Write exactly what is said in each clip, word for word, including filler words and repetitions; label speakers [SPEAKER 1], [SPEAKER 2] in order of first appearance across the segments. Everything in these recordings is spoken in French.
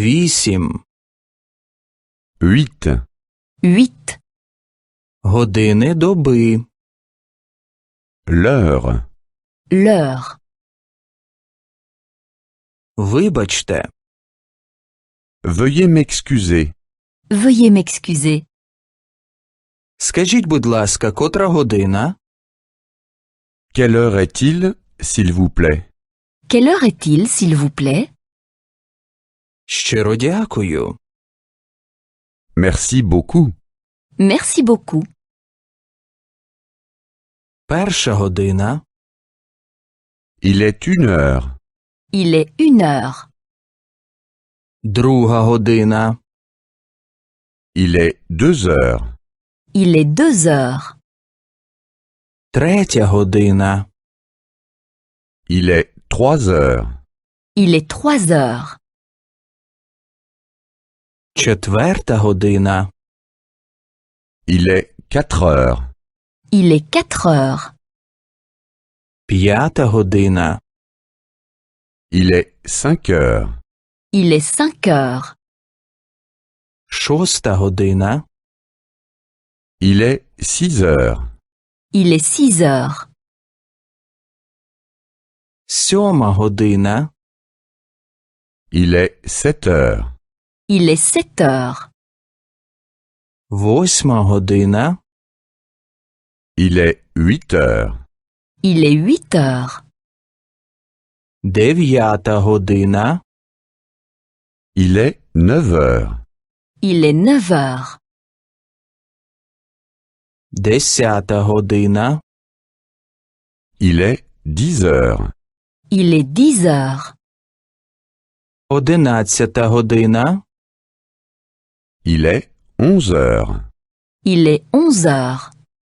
[SPEAKER 1] Вісім.
[SPEAKER 2] huit,
[SPEAKER 3] huit,
[SPEAKER 1] Години доби.
[SPEAKER 2] l'heure,
[SPEAKER 3] l'heure.
[SPEAKER 1] Вибачте.
[SPEAKER 2] veuillez m'excuser,
[SPEAKER 3] Veuillez m'excuser.
[SPEAKER 1] Скажіть, будь ласка, котра година?
[SPEAKER 2] quelle heure est-il, s'il vous plaît?
[SPEAKER 3] Quelle heure est-il, s'il vous plaît?
[SPEAKER 1] Щиро дякую.
[SPEAKER 2] Merci beaucoup,
[SPEAKER 3] Merci beaucoup.
[SPEAKER 1] Перша година.
[SPEAKER 2] il est une heure,
[SPEAKER 3] Il est une heure.
[SPEAKER 1] Друга година.
[SPEAKER 2] il est deux heures,
[SPEAKER 3] Il est deux heures.
[SPEAKER 1] Третя година.
[SPEAKER 2] il est trois heures,
[SPEAKER 3] Il est trois heures.
[SPEAKER 1] Четверта година.
[SPEAKER 2] il est quatre heures,
[SPEAKER 3] Il est quatre heures.
[SPEAKER 1] П'ята година.
[SPEAKER 2] il est cinq heures,
[SPEAKER 3] Il est cinq heures.
[SPEAKER 1] Шоста година.
[SPEAKER 2] il est six heures,
[SPEAKER 3] Il est six heures.
[SPEAKER 1] Сьома година.
[SPEAKER 2] il est sept heures,
[SPEAKER 3] Il est sept heures.
[SPEAKER 1] Восьма година.
[SPEAKER 2] il est huit heures,
[SPEAKER 3] Il est huit heures.
[SPEAKER 1] Дев'ята година.
[SPEAKER 2] il est neuf heures,
[SPEAKER 3] Il est neuf heures.
[SPEAKER 1] Десята година.
[SPEAKER 2] il est dix heures,
[SPEAKER 3] Il est dix heures.
[SPEAKER 1] Одинадцята година.
[SPEAKER 2] il est onze heures,
[SPEAKER 3] Il est onze heures.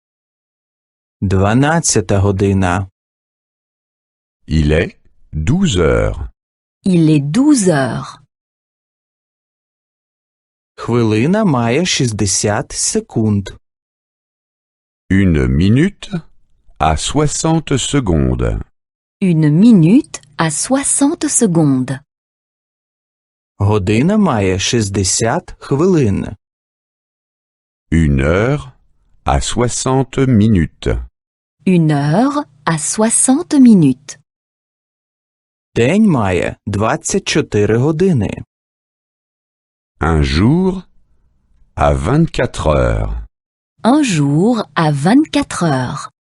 [SPEAKER 1] Дванадцята година.
[SPEAKER 2] il est douze heures,
[SPEAKER 3] Il est douze heures.
[SPEAKER 1] Хвилина має шістдесят секунд.
[SPEAKER 2] une minute à soixante secondes,
[SPEAKER 3] Une minute à soixante secondes.
[SPEAKER 1] Година має шістдесят хвилин.
[SPEAKER 2] une heure à soixante minutes,
[SPEAKER 3] Une heure à soixante minutes.
[SPEAKER 1] День має двадцять чотири години.
[SPEAKER 2] un jour à vingt-quatre heures.
[SPEAKER 3] Un jour à vingt-quatre heures.